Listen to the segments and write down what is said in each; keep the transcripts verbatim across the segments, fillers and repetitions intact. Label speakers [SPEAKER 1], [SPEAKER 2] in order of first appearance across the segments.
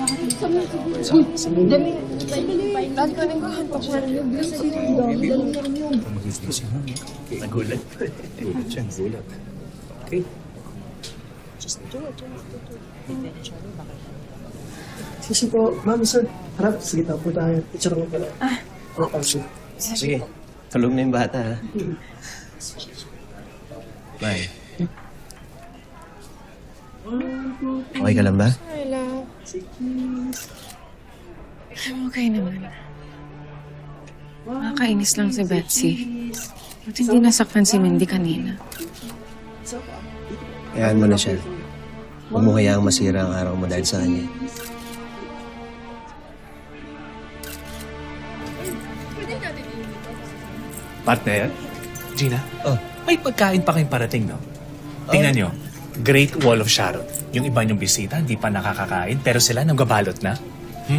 [SPEAKER 1] Nagulat pa eh. Nagulat siya, nagulat. Okay. Just do it.
[SPEAKER 2] Sige po, ma'am, sir. Harap, sige tayo po tayo. Picture mo pala. Ah. Oh, sir.
[SPEAKER 1] Sige, tulog na yung bata ha. Bye. Okay ka lang ba?
[SPEAKER 3] Okay naman. Nakakainis lang si Betsy. Ba't hindi nasaktan si Mindy kanina?
[SPEAKER 1] Hayaan mo na siya. Huwag mo hayaang masira ang araw mo dahil sa kanya.
[SPEAKER 4] Partner, Gina,
[SPEAKER 1] Oh.
[SPEAKER 4] may pagkain pa kayong parating, no? Tingnan nyo, Great Wall of Sharon. Yung iba niyong bisita, hindi pa nakakakain, pero sila nanggabalot na. Hmm?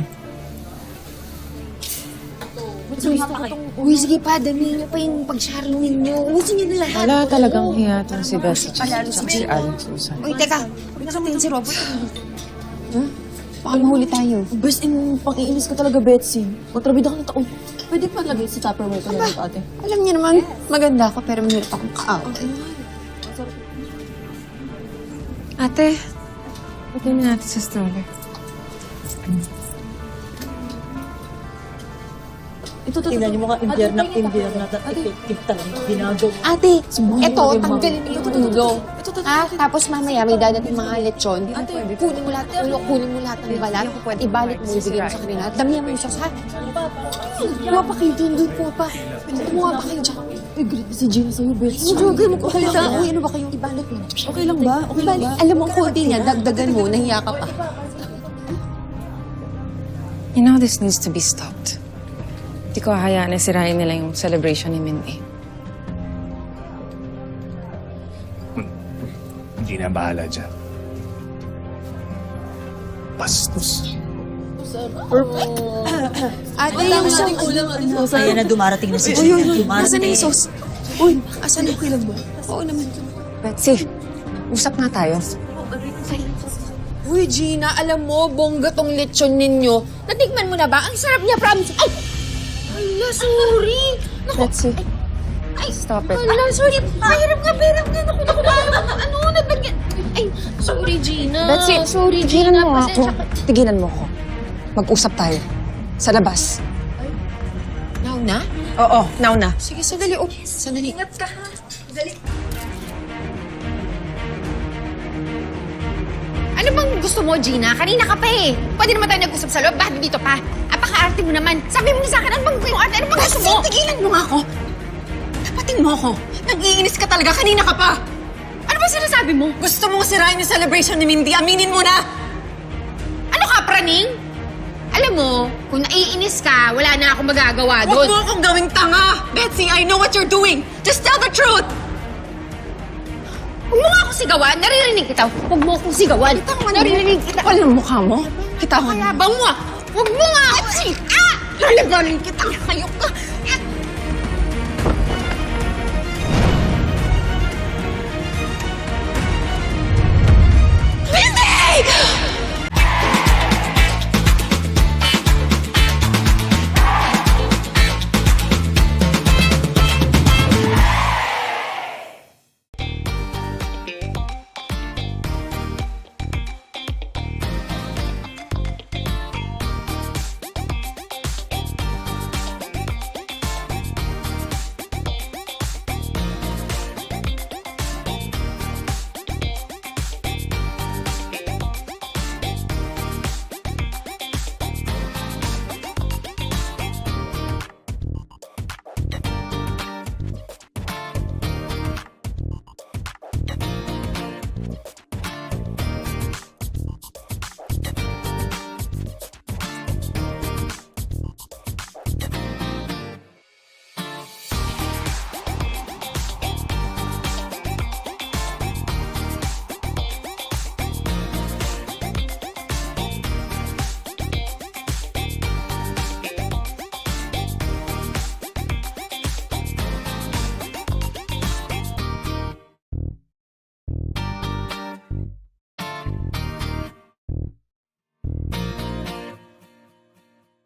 [SPEAKER 5] Uy, sige pa, dami niyo pa yung pag-sharing niyo. Ubusin niyo na lahat.
[SPEAKER 3] Wala talagang hiya itong si Betsy at si Aling Susan.
[SPEAKER 5] Uy, teka. Huwag na sabihin si Robert. Huh? Baka mahuli tayo.
[SPEAKER 6] Best in pang-iinis ka talaga, Betsy. Kontrabida ka ng taon. Pwede pa lagay sa Tupperware ko na ate.
[SPEAKER 5] Alam niyo naman, maganda ako pero mahirap akong kaaway.
[SPEAKER 3] Ate, lagyan na natin sa stroller.
[SPEAKER 6] Ito, ito, tingnan niyo mga impyerna, impyerna, effective talaga. Ginagawa.
[SPEAKER 5] Ate, eto, tanggalin niyo yung ulo. Ha? Tapos mamaya may dadating mga lechon. Kunin mo lahat ng ulo, kunin mo lahat ng balat. Ibalik mo, ibigay mo sa kanila. Damihan mo yung sauce, ha? Kuha pa kayo dun, dun, kuha pa. Kumuha pa kayo dyan.
[SPEAKER 6] Eh, great si Gina sa'yo, Betsy.
[SPEAKER 5] Hindi, huwag mo okay lang. Uy, ano ba kayo? Ibalik mo.
[SPEAKER 6] Okay lang ba? Okay lang
[SPEAKER 5] Ibalik.
[SPEAKER 6] ba?
[SPEAKER 5] Alam mo, ang konti niya, dagdagan mo, nahiya ka pa.
[SPEAKER 3] You know this needs to be stopped. Hindi ko hahayaan na sirain nila yung celebration ni Mindy.
[SPEAKER 4] Hindi na bahala dyan. Bastos.
[SPEAKER 5] Ate, yung sauce.
[SPEAKER 6] Ayan na, dumarating na si
[SPEAKER 5] Uy,
[SPEAKER 6] Gina.
[SPEAKER 5] uy, uy.
[SPEAKER 6] Dumarating.
[SPEAKER 5] Nasaan na yung sauce? Uy, asan na? Okay lang ba? Oo naman.
[SPEAKER 3] Betsy, usap nga tayo.
[SPEAKER 5] Uy, Gina, alam mo, bongga tong lechon ninyo. Natikman mo na ba? Ang sarap niya, promise. Ay! Ala, sorry. Naku,
[SPEAKER 3] Betsy,
[SPEAKER 5] ay,
[SPEAKER 3] stop it.
[SPEAKER 5] ala, sorry. Mahirap nga, mahirap nga. Naku, naku, naku, ano, nagdagyan. Ay, sorry, Gina.
[SPEAKER 3] Betsy,
[SPEAKER 5] sorry,
[SPEAKER 3] tigilan
[SPEAKER 5] Gina.
[SPEAKER 3] mo ako.
[SPEAKER 5] Pasensya ka.
[SPEAKER 3] Tigilan mo ako. Mag-usap tayo. Sa labas.
[SPEAKER 5] Now na?
[SPEAKER 3] Oo, now na.
[SPEAKER 5] Sige, sandali. Oh, sandali. Ingat ka, ha? Dali. Ano bang gusto mo, Gina? Kanina ka pa eh. Pwede naman tayo nag-usap sa loob. Bakit dito pa? Apaka-arte mo naman. Sabi mo sa akin, ano bang yung arte? Ano bang gusto mo? Tigilan mo nga ako. Tapatin mo ako. Nag-iinis ka talaga. Kanina ka pa. Ano ba sinasabi mo? Gusto mo sirain yung celebration ni Mindy. Aminin mo na. Ano ka, praning? Alam mo, kung naiinis ka, wala na akong magagawa doon. Huwag mo akong gawing tanga! Betsy, I know what you're doing! Just tell the truth! Huwag mo nga akong sigawan! Naririnig kita! Huwag mo akong sigawan! Naririnig kita!
[SPEAKER 3] Kapal ng mukha mo. Kita ko.
[SPEAKER 5] Kaya bang mo ah! Huwag mo nga ako! Ah! Lalagaling kita! Hayok ka! Ah! Mindy!